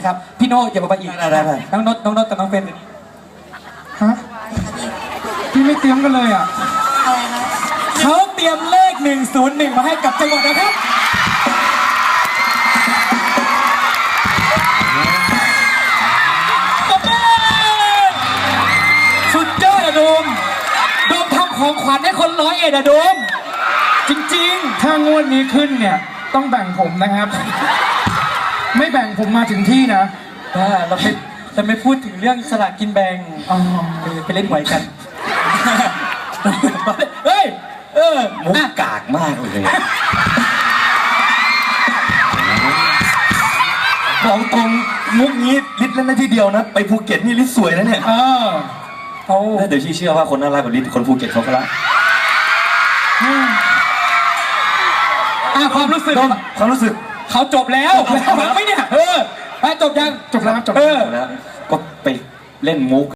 นะครับพี่โน่อย่ามาอีกได้น้องนดกับน้องเฟนฮะพี่ไม่เตรียมกันเลยอ่ะอะไรคะเขาเตรียมเลข101มาให้กับจังหวัดนะครับสุดยอดอะโดมทำของขวัญให้คน101อะโดมจริงๆถ้างวดนี้ขึ้นเนี่ยต้องแบ่งผมนะครับไม่แบ่งผมมาถึงที่นะเราไม่พูดถึงเรื่องสลากกินแบ่งไปเล่นหวยกันเฮ้ยมุกกากมากเลยบอกตรงมุกนี้ลิศเล่นได้ที่เดียวนะไปภูเก็ตนี่ลิศสวยนะเนี่ยเดี๋ยวเชื่อว่าคนน่ารักแบบลิศคนภูเก็ตเขาก็รักความรู้สึกเขาจบแล้วฟังไหมเนี่ยจบยังจบแล้วก็ไปเล่นมุก